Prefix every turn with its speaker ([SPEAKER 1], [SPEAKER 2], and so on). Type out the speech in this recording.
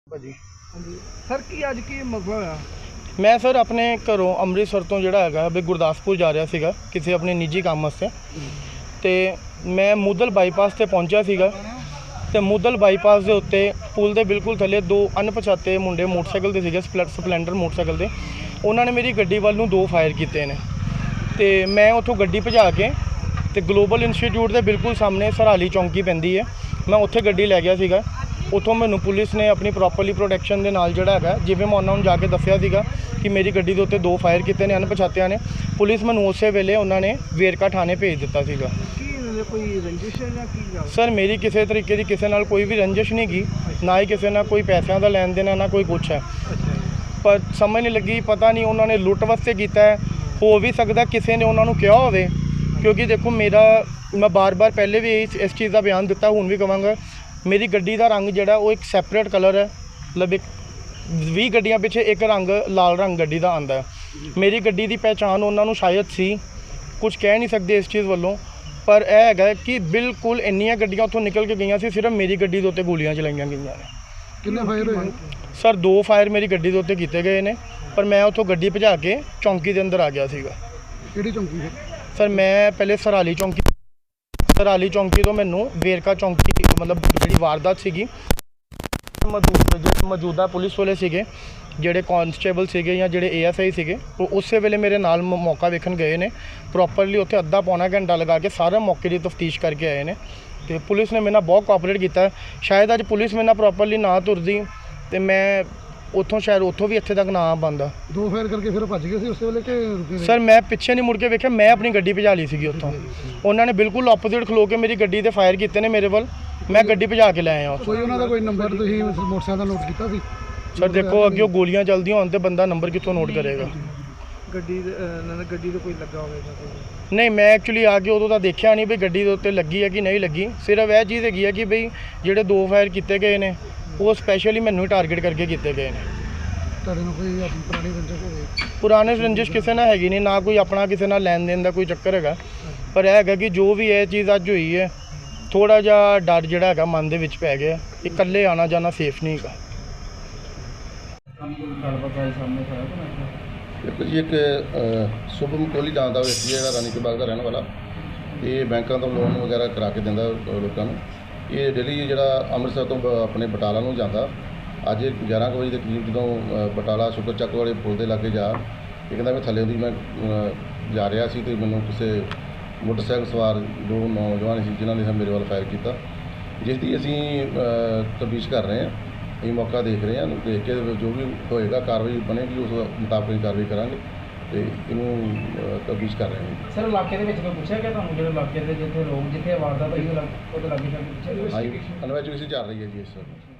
[SPEAKER 1] ਭਾਜੀ
[SPEAKER 2] ਹਾਂਜੀ ਸਰ ਕੀ ਅੱਜ ਕੀ ਮਸਲਾ ਹੋਇਆ?
[SPEAKER 1] ਮੈਂ ਸਰ ਆਪਣੇ ਘਰੋਂ ਅੰਮ੍ਰਿਤਸਰ ਤੋਂ ਜਿਹੜਾ ਹੈਗਾ ਵੀ ਗੁਰਦਾਸਪੁਰ ਜਾ ਰਿਹਾ ਸੀਗਾ ਕਿਸੇ ਆਪਣੇ ਨਿੱਜੀ ਕੰਮ ਵਾਸਤੇ ਤੇ ਮੈਂ ਮੁੱਦਲ ਬਾਈਪਾਸ ਤੇ ਪਹੁੰਚਿਆ ਸੀਗਾ ਤੇ ਮੁੱਦਲ ਬਾਈਪਾਸ ਦੇ ਉੱਤੇ ਪੁਲ ਦੇ ਬਿਲਕੁਲ ਥੱਲੇ ਦੋ ਅਣਪਛਾਤੇ ਮੁੰਡੇ ਮੋਟਰਸਾਈਕਲ ਤੇ ਸੀਗੇ ਸਪਲੈਂਡਰ ਮੋਟਰਸਾਈਕਲ ਤੇ ਉਹਨਾਂ ਨੇ ਮੇਰੀ ਗੱਡੀ ਵੱਲ ਨੂੰ ਦੋ ਫਾਇਰ ਕੀਤੇ ਨੇ ਤੇ ਮੈਂ ਉੱਥੋਂ ਗੱਡੀ ਭਜਾ ਕੇ ਤੇ ਗਲੋਬਲ ਇੰਸਟੀਚਿਊਟ ਦੇ ਬਿਲਕੁਲ ਸਾਹਮਣੇ ਸਰਹਾਲੀ ਚੌਂਕੀ ਪੈਂਦੀ ਹੈ ਮੈਂ ਉੱਥੇ ਗੱਡੀ ਲੈ ਗਿਆ ਸੀਗਾ। ਉੱਥੋਂ ਮੈਨੂੰ ਪੁਲਿਸ ਨੇ ਆਪਣੀ ਪ੍ਰੋਪਰਲੀ ਪ੍ਰੋਟੈਕਸ਼ਨ ਦੇ ਨਾਲ ਜਿਹੜਾ ਹੈਗਾ ਜਿਵੇਂ ਮੈਂ ਉਹਨਾਂ ਨੂੰ ਜਾ ਕੇ ਦੱਸਿਆ ਸੀਗਾ ਕਿ ਮੇਰੀ ਗੱਡੀ ਦੇ ਉੱਤੇ ਦੋ ਫਾਇਰ ਕੀਤੇ ਨੇ ਅਣਪਛਾਤਿਆਂ ਨੇ। ਪੁਲਿਸ ਮੈਨੂੰ ਉਸੇ ਵੇਲੇ ਉਹਨਾਂ ਨੇ ਵੇਰਕਾ ਥਾਣੇ ਭੇਜ ਦਿੱਤਾ ਸੀਗਾ।
[SPEAKER 2] ਕੋਈ ਰੰਜਿਸ਼ ਹੈ ਜਾਂ ਕੀ ਗੱਲ?
[SPEAKER 1] ਸਰ ਮੇਰੀ ਕਿਸੇ ਤਰੀਕੇ ਦੀ ਕਿਸੇ ਨਾਲ ਕੋਈ ਵੀ ਰੰਜਿਸ਼ ਨਹੀਂ ਗਈ, ਨਾ ਹੀ ਕਿਸੇ ਨਾਲ ਕੋਈ ਪੈਸਿਆਂ ਦਾ ਲੈਣ ਦੇਣ ਹੈ ਨਾ ਕੋਈ ਕੁਛ ਹੈ। ਪਰ ਸਮਝ ਨਹੀਂ ਲੱਗੀ, ਪਤਾ ਨਹੀਂ ਉਹਨਾਂ ਨੇ ਲੁੱਟ ਵਾਸਤੇ ਕੀਤਾ ਹੈ, ਹੋ ਵੀ ਸਕਦਾ ਕਿਸੇ ਨੇ ਉਹਨਾਂ ਨੂੰ ਕਿਹਾ ਹੋਵੇ ਕਿਉਂਕਿ ਦੇਖੋ ਮੈਂ ਬਾਰ-ਬਾਰ ਪਹਿਲੇ ਵੀ ਇਸ ਚੀਜ਼ ਦਾ ਬਿਆਨ ਦਿੱਤਾ, ਹੁਣ ਵੀ ਕਹਾਂਗਾ ਮੇਰੀ ਗੱਡੀ ਦਾ ਰੰਗ ਜਿਹੜਾ ਉਹ ਇੱਕ ਸੈਪਰੇਟ ਕਲਰ ਹੈ। ਮਤਲਬ 20 ਗੱਡੀਆਂ ਪਿੱਛੇ ਇੱਕ ਰੰਗ ਲਾਲ ਰੰਗ ਗੱਡੀ ਦਾ ਆਉਂਦਾ ਹੈ। ਮੇਰੀ ਗੱਡੀ ਦੀ ਪਹਿਚਾਣ ਉਹਨਾਂ ਨੂੰ ਸ਼ਾਇਦ ਸੀ, ਕੁਝ ਕਹਿ ਨਹੀਂ ਸਕਦੇ ਇਸ ਚੀਜ਼ ਵੱਲੋਂ, ਪਰ ਇਹ ਹੈਗਾ ਕਿ ਬਿਲਕੁਲ ਇੰਨੀਆਂ ਗੱਡੀਆਂ ਉੱਥੋਂ ਨਿਕਲ ਕੇ ਗਈਆਂ ਸੀ, ਸਿਰਫ ਮੇਰੀ ਗੱਡੀ ਦੇ ਉੱਤੇ ਗੋਲੀਆਂ ਚਲਾਈਆਂ ਗਈਆਂ ਨੇ।
[SPEAKER 2] ਕਿੰਨੇ ਫਾਇਰ ਹੋਏ?
[SPEAKER 1] ਸਰ 2 ਫਾਇਰ ਮੇਰੀ ਗੱਡੀ ਦੇ ਉੱਤੇ ਕੀਤੇ ਗਏ ਨੇ, ਪਰ ਮੈਂ ਉੱਥੋਂ ਗੱਡੀ ਭਜਾ ਕੇ ਚੌਂਕੀ ਦੇ ਅੰਦਰ ਆ ਗਿਆ ਸੀਗਾ।
[SPEAKER 2] ਕਿਹੜੀ ਚੌਂਕੀ ਹੈ? ਸਰ
[SPEAKER 1] ਮੈਂ ਪਹਿਲੇ ਸਰਹਾਲੀ ਚੌਂਕੀ ਤੋਂ ਮੈਨੂੰ ਵੇਰਕਾ ਚੌਂਕੀ ਮਤਲਬ ਜਿਹੜੀ ਵਾਰਦਾਤ ਸੀਗੀ ਮੌਜੂਦਾ ਪੁਲਿਸ ਵਾਲੇ ਸੀਗੇ ਜਿਹੜੇ ਕਾਂਸਟੇਬਲ ਸੀਗੇ ਜਾਂ ਜਿਹੜੇ ASI ਸੀਗੇ ਉਹ ਉਸੇ ਵੇਲੇ ਮੇਰੇ ਨਾਲ ਮੌਕਾ ਵੇਖਣ ਗਏ ਨੇ। ਪ੍ਰੋਪਰਲੀ ਉੱਥੇ ਅੱਧਾ ਪੌਣਾ ਘੰਟਾ ਲਗਾ ਕੇ ਸਾਰੇ ਮੌਕੇ ਦੀ ਤਫਤੀਸ਼ ਕਰਕੇ ਆਏ ਨੇ ਤੇ ਪੁਲਿਸ ਨੇ ਮੇਰੇ ਨਾਲ ਬਹੁਤ ਕੋਆਪਰੇਟ ਕੀਤਾ। ਸ਼ਾਇਦ ਅੱਜ ਪੁਲਿਸ ਮੇਰੇ ਨਾਲ ਪ੍ਰੋਪਰਲੀ ਨਾ ਤੁਰਦੀ ਤੇ ਮੈਂ ਉੱਥੋਂ ਵੀ ਇੱਥੇ ਤੱਕ ਨਾ ਬੰਦਾ।
[SPEAKER 2] ਦੋ ਫਾਇਰ ਕਰਕੇ ਫਿਰ ਭੱਜ ਗਏ ਸੀ ਉਸੇ ਵੇਲੇ ਕਿ ਰੁਕੇ?
[SPEAKER 1] ਸਰ ਮੈਂ ਪਿੱਛੇ ਨਹੀਂ ਮੁੜ ਕੇ ਵੇਖਿਆ, ਮੈਂ ਆਪਣੀ ਗੱਡੀ ਭਜਾ ਲਈ ਸੀਗੀ ਉੱਥੋਂ। ਉਹਨਾਂ ਨੇ ਬਿਲਕੁਲ ਆਪੋਜ਼ਿਟ ਖਲੋ ਕੇ ਮੇਰੀ ਗੱਡੀ ਤੇ ਫਾਇਰ ਕੀਤੇ ਨੇ ਮੇਰੇ ਵੱਲ, ਮੈਂ ਗੱਡੀ ਭਜਾ ਕੇ ਲੈ ਆਇਆ।
[SPEAKER 2] ਕੋਈ ਉਹਨਾਂ ਦਾ ਕੋਈ ਨੰਬਰ ਤੁਸੀਂ ਮੋਟਰਸਾਈਕਲ ਦਾ ਨੋਟ ਕੀਤਾ ਸੀ?
[SPEAKER 1] ਸਰ ਦੇਖੋ ਅੱਗੇ ਗੋਲੀਆਂ ਚੱਲਦੀਆਂ ਹੋਣ ਤੇ ਬੰਦਾ ਨੰਬਰ ਕਿੱਥੋਂ ਨੋਟ ਕਰੇਗਾ?
[SPEAKER 2] ਗੱਡੀ ਤੇ ਕੋਈ ਲੱਗਾ ਹੋਵੇਗਾ?
[SPEAKER 1] ਨਹੀਂ, ਮੈਂ ਐਕਚੁਅਲੀ ਆ ਕੇ ਉਦੋਂ ਤਾਂ ਦੇਖਿਆ ਨਹੀਂ ਵੀ ਗੱਡੀ ਦੇ ਉੱਤੇ ਲੱਗੀ ਹੈ ਕਿ ਨਹੀਂ ਲੱਗੀ। ਸਿਰਫ ਇਹ ਚੀਜ਼ ਹੈਗੀ ਹੈ ਕਿ ਬਈ ਜਿਹੜੇ ਦੋ ਫਾਇਰ ਕੀਤੇ ਗਏ ਨੇ ਉਹ ਸਪੈਸ਼ਲੀ ਮੈਨੂੰ ਹੀ ਟਾਰਗੇਟ ਕਰਕੇ ਕੀਤੇ ਗਏ ਨੇ।
[SPEAKER 2] ਤੁਹਾਡੇ ਨਾਲ ਕੋਈ ਪੁਰਾਣੀ ਰੰਜਿਸ਼ ਹੋਵੇ?
[SPEAKER 1] ਪੁਰਾਣੇ ਰੰਜਿਸ਼ ਕਿਸੇ ਨਾਲ ਹੈਗੀ ਨਹੀਂ, ਨਾ ਕੋਈ ਆਪਣਾ ਕਿਸੇ ਨਾਲ ਲੈਣ ਦੇਣ ਦਾ ਕੋਈ ਚੱਕਰ ਹੈਗਾ। ਪਰ ਇਹ ਹੈਗਾ ਕਿ ਜੋ ਵੀ ਇਹ ਚੀਜ਼ ਅੱਜ ਹੋਈ ਹੈ ਥੋੜਾ ਜਿਹਾ ਡਰ ਜਿਹੜਾ ਹੈਗਾ ਮਨ ਦੇ ਵਿੱਚ ਪੈ ਗਿਆ। ਇਕੱਲੇ ਆਣਾ ਜਾਣਾ ਸੇਫ ਨਹੀਂ ਹੈਗਾ।
[SPEAKER 3] ਦੇਖੋ ਜੀ, ਇੱਕ ਸ਼ੁਭਮ ਕੋਹਲੀ ਨਾਂ ਦਾ ਵਿਅਕਤੀ ਜਿਹੜਾ ਰਾਣੀ ਕੇ ਬਾਗ ਦਾ ਰਹਿਣ ਵਾਲਾ, ਇਹ ਬੈਂਕਾਂ ਤੋਂ ਲੋਨ ਵਗੈਰਾ ਕਰਾ ਕੇ ਦਿੰਦਾ ਲੋਕਾਂ ਨੂੰ। ਇਹ ਡੇਲੀ ਜਿਹੜਾ ਅੰਮ੍ਰਿਤਸਰ ਤੋਂ ਆਪਣੇ ਬਟਾਲਾ ਨੂੰ ਜਾਂਦਾ, ਅੱਜ 11 ਵਜੇ ਦੇ ਕਰੀਬ ਜਦੋਂ ਬਟਾਲਾ ਸ਼ੁਕਰ ਚੱਕ ਵਾਲੇ ਪੁਲ ਦੇ ਲਾਗੇ ਇਹ ਕਹਿੰਦਾ ਮੈਂ ਥੱਲੇ ਦੀ ਮੈਂ ਜਾ ਰਿਹਾ ਸੀ ਤੇ ਮੈਨੂੰ ਕਿਸੇ ਮੋਟਰਸਾਈਕਲ ਸਵਾਰ ਦੋ ਨੌਜਵਾਨ ਸੀ ਜਿਨ੍ਹਾਂ ਨੇ ਮੇਰੇ ਵੱਲ ਫਾਇਰ ਕੀਤਾ, ਜਿਸ ਦੀ ਅਸੀਂ ਤਫਤੀਸ਼ ਕਰ ਰਹੇ ਹਾਂ। ਅਸੀਂ ਮੌਕਾ ਦੇਖ ਰਹੇ ਹਾਂ, ਦੇਖ ਕੇ ਜੋ ਵੀ ਹੋਏਗਾ ਕਾਰਵਾਈ ਬਣੇਗੀ ਉਸ ਮੁਤਾਬਕ ਕਾਰਵਾਈ ਕਰਾਂਗੇ ਤੇ ਇਹਨੂੰ ਤਫਤੀਸ਼ ਕਰ ਰਹੇ ਹਾਂ।
[SPEAKER 4] ਸਰ ਇਲਾਕੇ ਦੇ ਵਿੱਚ ਕੋਈ ਪੁੱਛਿਆ ਗਿਆ ਤੁਹਾਨੂੰ, ਜਿਹੜੇ ਇਲਾਕੇ ਦੇ ਜਿੱਥੇ ਵਾਰਦਾਤ ਹੋਈ ਉਹਦੇ ਲਾਗੇ ਪੁੱਛਿਆ?
[SPEAKER 3] ਇਨਵੈਸਟੀਗੇਸ਼ਨ ਚੱਲ ਰਹੀ ਹੈ ਜੀ ਇਸ